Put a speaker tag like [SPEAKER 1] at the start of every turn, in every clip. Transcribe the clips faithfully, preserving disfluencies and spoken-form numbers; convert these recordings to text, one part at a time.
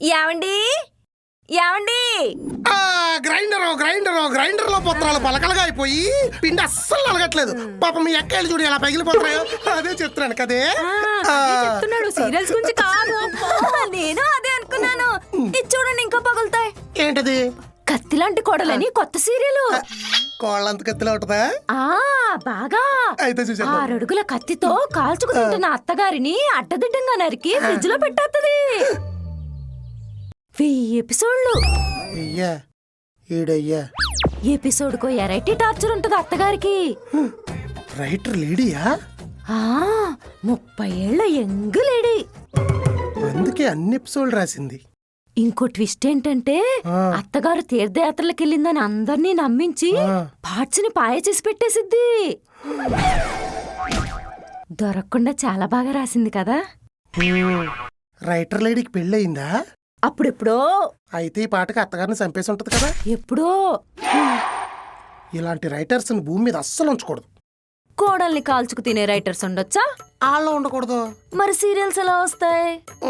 [SPEAKER 1] ఏమండి ఏమండి
[SPEAKER 2] grinder grinder grinder లో పత్రాలు పలకలుగా అయిపోయి పిండి అస్సలు అలగట్లేదు. పాపం మీ ఎక్కలు చూడు ఎలా పగిలిపోతాయో. అదే చెప్తున్నాను కదే.
[SPEAKER 1] చెప్తున్నాడు సీరియల్స్ గురించి కాదు. నేను అదే అనుకున్నాను. ఇది చూడండి ఇంకా పగులుతాయి.
[SPEAKER 2] ఏంటది?
[SPEAKER 1] కత్తి లాంటి కోడలని కొత్త సీరియల్.
[SPEAKER 2] కోళ్ళంత కత్తిలో ఉంటదా?
[SPEAKER 1] ఆ బాగా.
[SPEAKER 2] అయితే చూసా.
[SPEAKER 1] ఆరడుగుల కత్తితో కాల్చుకు తింటున్న అత్తగారిని అడ్డదిడ్డంగా నరికి ఫ్రిడ్జ్ లో పెట్టేత్తది. వెయ్యి ఎపిసోడ్లు.
[SPEAKER 2] అయ్యా ఈడయ్యా
[SPEAKER 1] ఎపిసోడ్ కో ఎరైటీ టార్చర్ ఉంటది అత్తగారికి.
[SPEAKER 2] రైటర్ లేడీయా?
[SPEAKER 1] ఆ ముప్పై ఏళ్ల యంగ్ లేడీ.
[SPEAKER 2] అందుకే అన్ని ఎపిసోడ్ రాసింది.
[SPEAKER 1] ఇంకో ట్విస్ట్ ఏంటంటే అత్తగారు తీర్థయాత్రలకు వెళ్ళిందని అందర్నీ నమ్మించి పార్ట్స్ ని పాయ చేసి పెట్టేసిద్ది. దొరకకుండా చాలా బాగా రాసింది కదా.
[SPEAKER 2] రైటర్ లేడీకి పెళ్ళయిందా?
[SPEAKER 1] అప్పుడెప్పుడో.
[SPEAKER 2] అయితే ఈ పాటకి అత్తగారిని చంపేసి ఉంటది కదా.
[SPEAKER 1] ఎప్పుడో.
[SPEAKER 2] ఇలాంటి రైటర్స్ భూమి మీద అస్సలు ఉంచకూడదు.
[SPEAKER 1] కోడల్ని కాల్చుకు తినే రైటర్స్ ఉండొచ్చా?
[SPEAKER 2] ఆళ్ళ ఉండకూడదు.
[SPEAKER 1] మరి సీరియల్స్ ఎలా వస్తాయి?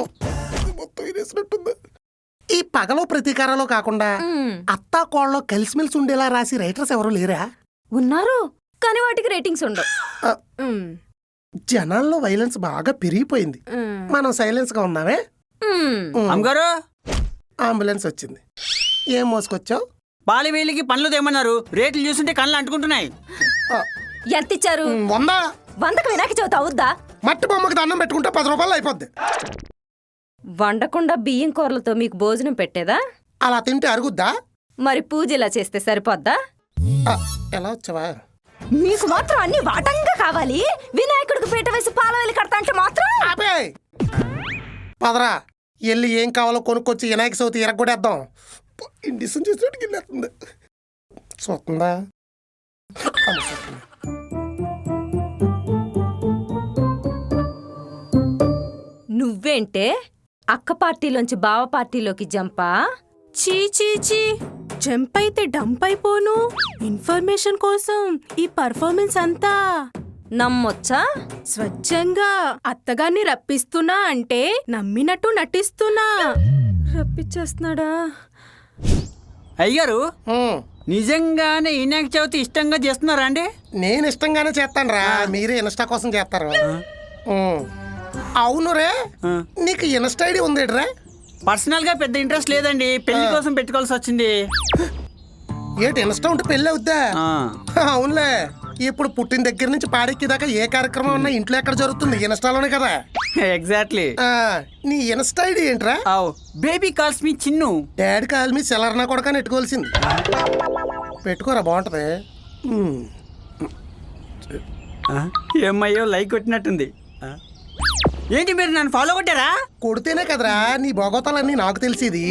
[SPEAKER 2] ఈ పగలో ప్రతీకారాలు కాకుండా అత్తా కోళ్ళలో కలిసిమెలిసి ఉండేలా రాసి రైటర్స్ ఎవరు లేరా?
[SPEAKER 1] ఉన్నారు, కానీ వాటికి రేటింగ్స్ ఉండవు.
[SPEAKER 2] జనాల్లో వైలెన్స్ బాగా పెరిగిపోయింది. మనం సైలెన్స్ గా ఉన్నామే.
[SPEAKER 3] అమ్మగారు,
[SPEAKER 2] అంబులెన్స్ వచ్చింది. ఏం మోసుకొచ్చావు?
[SPEAKER 3] పాలి వేలికి పనులు తెమ్మన్నారు. రేట్లు చూస్తుంటే కళ్ళు అంటుకుంటున్నాయి.
[SPEAKER 1] ఎంత ఇచ్చారు?
[SPEAKER 2] వంద.
[SPEAKER 1] వందకు వినాయక చవితి అవుద్దా?
[SPEAKER 2] మట్టి బొమ్మకి దండం పెట్టుకుంటే పది రూపాయలు అయిపోద్ది.
[SPEAKER 1] వండకుండా బియ్యం కూరలతో మీకు భోజనం పెట్టేదా?
[SPEAKER 2] అలా తింటే అరుగుద్దా?
[SPEAKER 1] మరి పూజ ఇలా చేస్తే సరిపోద్దా?
[SPEAKER 2] ఎలా వచ్చావా?
[SPEAKER 1] మీకు మాత్రం అన్ని వాటంగా కావాలి. వినాయకుడికి పీట వేసి పాలవేలి కడతా అంటే మాత్రం
[SPEAKER 2] ఆపే. పదరా, వెళ్ళి ఏం కావాలో కొనుక్కొచ్చి వినాయక చవితి ఎరగొడేద్దాం. ఇండిషన్ చేసినట్టు వెళ్ళేస్తుంది. చూస్తుందా?
[SPEAKER 1] నువ్వేంటే అక్క పార్టీలోంచి బావ పార్టీలోకి జంపా?
[SPEAKER 4] చీ చీ చీ, జంప్ అయితే డంప్ అయిపోను. ఇన్ఫర్మేషన్ కోసం ఈ పర్ఫార్మెన్స్ అంతా
[SPEAKER 1] నమ్మొచ్చా?
[SPEAKER 4] స్వచ్ఛంగా అత్తగారిని రప్పిస్తున్నా అంటే నమ్మినట్టు నటిస్తున్నా. రప్పించేస్తున్నాడా?
[SPEAKER 3] అయ్యారు, నిజంగానే వినాయక చవితి ఇష్టంగా చేస్తున్నారా అండి?
[SPEAKER 2] నేను ఇష్టంగానే చేస్తాను రా. మీరే ఇన్స్టా కోసం చేస్తారు. అవును రే, నీకు ఇన్స్టా ఐడి ఉంది రా?
[SPEAKER 3] పర్సనల్ గా పెద్ద ఇంట్రెస్ట్ లేదండి. పెళ్లి కోసం పెట్టుకోవాల్సి వచ్చింది.
[SPEAKER 2] ఏంటి ఇన్స్టా ఉంటే పెళ్ళి అవుద్దా? అవునులే. ఇప్పుడు పుట్టిన దగ్గర నుంచి పాడెక్కి దాకా ఏ కార్యక్రమం ఉన్నా ఇంట్లో ఎక్కడ జరుగుతుంది? ఇన్స్టాలోనే కదా.
[SPEAKER 3] ఎగ్జాక్ట్లీ.
[SPEAKER 2] నీ ఇన్స్టా ఐడి ఏంట్రా?
[SPEAKER 3] Baby calls me Chinnu.
[SPEAKER 2] Daddy call me సెలర్నా కూడా నెట్టుకోవాల్సింది. పెట్టుకోరా, బాగుంటది.
[SPEAKER 3] ఏమయ్యో లైక్ కొట్టినట్టుంది. ఏంటి మీరు నన్ను ఫాలో కొట్టారా?
[SPEAKER 2] కొడితేనే కదరా నీ భోగోతాలన్నీ నాకు తెలిసేది.